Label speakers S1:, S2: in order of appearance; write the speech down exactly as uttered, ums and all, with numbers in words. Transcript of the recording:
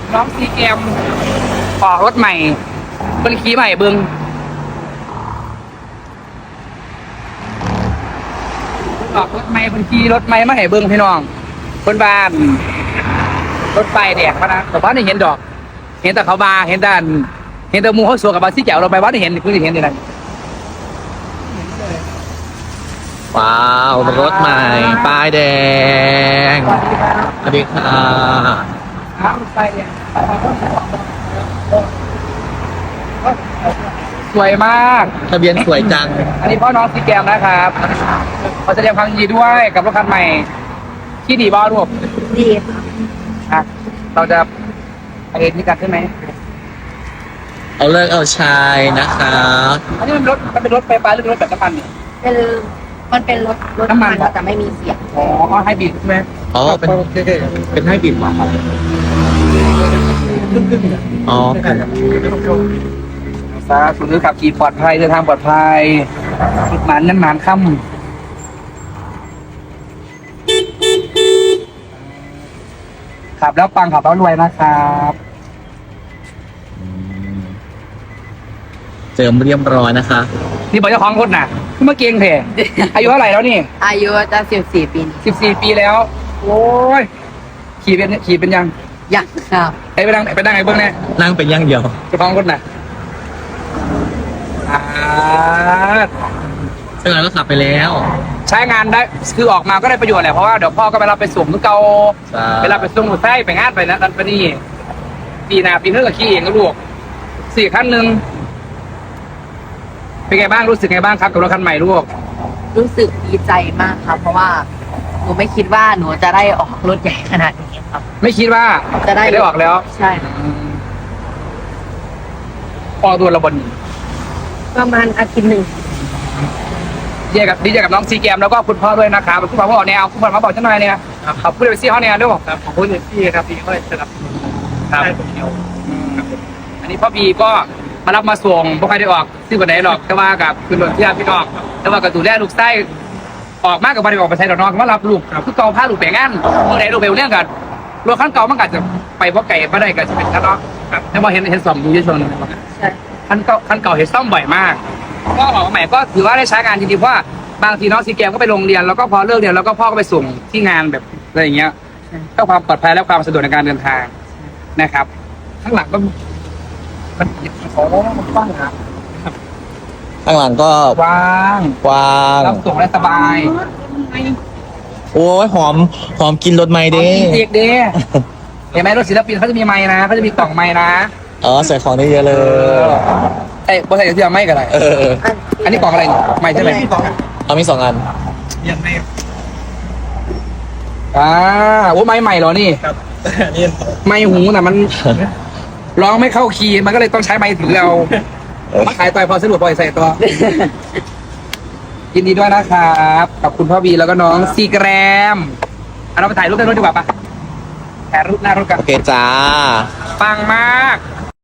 S1: น้องซีแกมออกรถใหม่เป็นขี่ใหม่เบิ้งออกรถใหม่เป็นขี่รถใหม่มาให้เบิ้งพี่น้องคนบ้านรถไฟแดกมานะแต่บ้านไม่เห็นดอก เห็นแต่เขาบาเห็นแต่เห็นแต่มูเขาสวกับบาซี่แจ๋วเราไปบ้านไม่เห็นเพิ่งจะเห็นเลยนะ
S2: ว้าวรถใหม่ป้ายแดงสวัสดีค่ะ
S1: ครับรถไฟเนี่ยสวยมาก
S2: ทะเบียนสวยจัง
S1: อันนี้พ่อน้องซีแกมนะครับขอแสดงความยินดีด้วยกับรถคันใหม่ที่ดีบ้ารูป
S3: ดีค่ะ
S1: อ่ะเราจะไปเอ็นนี่กันใช่ไหม
S2: เอาเลิกเอาชายนะคะ
S1: อันนี้มันรถมันเป็นรถไฟฟ้าหรือเป็นรถแบบน้ำมันเนี่ย
S3: เป็นมันเป็นรถรถ
S1: น้ำมัน
S3: แต่ไม่มีเสียง
S1: อ๋อไฮบริดใช่ไหม
S2: อ๋อเป็นเป็นให้บิดมาครับอ๋อ
S1: สาธุขับขี่ปลอดภัยเดินทางปลอดภัยจุดหมานนั้นหมานค่ำขับแล้วปังขับแล้วรวยนะครับ
S2: เจิมเรียบร้อยนะคะ
S1: นี่บอกเจ้าของรถน่ะเมื่อเก่งเถอะอายุเท่าไหร่แล้วนี่
S3: อายุจะสิบสี่ปีนี้
S1: สิบสี่ปีแล้ว โอ้ยขี่เป็นขี่เป็นยัง
S3: ยังครับ
S1: ไอ้ไปดังไปดังไอ้เบิ้งเนี่ย
S2: นั่งเป็นอย่างเดียว
S1: เจ้าของรถน่ะอ่า
S2: ซึ่งเราก็ขับไปแล้ว
S1: ใช้งานได้คือออกมาก็ได้ประโยชน์แหละเพราะว่าเดี๋ยวพ่อก็ไปรับไปส่งทุกเกา
S2: ใช่
S1: เวลาไปส่งหมูไส้ไปงานไปนะนั่นไปนี่ปีหน้าปีเท่ากับขี้เองก็ลูกสี่ขั้นหนึ่งเป็นไงบ้างรู้สึกไงบ้างครับกับรถคันใหม่ลูก
S3: รู้สึกดีใจมากครับ เพราะว่าหนูไม่คิดว่าหนูจะได้ออกรถใหญ่ขนาดนี้ครับ
S1: ไม่คิดว่า
S3: จะได้
S1: ได้ออกแล้ว
S3: ใช่ครับ
S1: ออกตัวระบน
S3: ประมาณอาทิตย์หนึ่ง
S1: ดีใจกับดีใจกับน้องซีแกมแล้วก็คุณพ่อด้วยนะครับคุณพ่อพ่อเนี่ยเอาคุณพ่อมาบอกฉันหน่อยเนี่ยขอบคุณไปซี่เขาเนี่ยด้วยครับขอบคุณพี่ครับพี่ก็สนับสนุนครับอันนี้พ่อบีก็มารับมาส่งพวกใครได้ออกซื้อวันไหนหรอกแต่ว่ากับคุณหลวงพี่พี่น้องแต่ว่ากับดูแลลูกไส้ออกมากกับวันได้ออกไปใช้ดอกน้องมารับลูกคือเก่าผ้าลูกแปลงงานเมื่อไหร่ลูกเบลเรื่องกันรถขั้นเก่ามันก็จะไปเพราะไก่มาได้ก็จะเป็นขั้นเนาะครับแต่ว่าเห็นเห็นสองดูเยอะชน
S3: ใช่
S1: ขั้นเก่าขั้นเก่าเห็นซ่อมบ่อยมากก็ออกมาใหม่ก็ถือว่าได้ใช้งานจริงๆเพราะว่าบางทีน้องซีแกมก็ไปโรงเรียนแล้วก็พอเลิกเรียนแล้วก็พ่อก็ไปส่งที่งานแบบอะไรอย่างเงี้ยเพื่อความปลอดภัยและความสะดวกในการเดินทางนะครับ ข้างหลังก็มันโอ้มันกว้างนะ
S2: ข้างหลังก็
S1: กว้าง
S2: กว้าง
S1: รับส่งได้สบาย
S2: โอ้ยหอมหอมกินรถใหม่
S1: เด็
S2: เด้
S1: กเด้เห็นไหมรถศิลปินเขาจะมีไม้นะเขาจะมีกล่องไม้นะ
S2: อ๋อใส่ของได้เยอะเลย
S1: ไอ้บริษัทที่เอาไม้กับอะไร
S2: เออ
S1: อันนี้กล่องอะไรเนี่ยไม้ใช่ไหม
S2: เอามีสองอัน
S1: ยังไม่อ่าโอ้ไม้ใหม่เหรอนี่
S4: ครับนี่
S1: ไม้หูน่ะมันร้องไม่เข้าคีย์มันก็เลยต้องใช้ไม้ถือเอามาขายต่อยพอสะดวกพอใส่ตัวยินดีด้วยนะครับกับคุณพ่อบีแล้วก็น้องซีแกรมเอาเราไปถ่ายรูปในรถดีกว่าปะถ่ายรูปหน้ารถกัน
S2: โอเคจ้า
S1: ปังมาก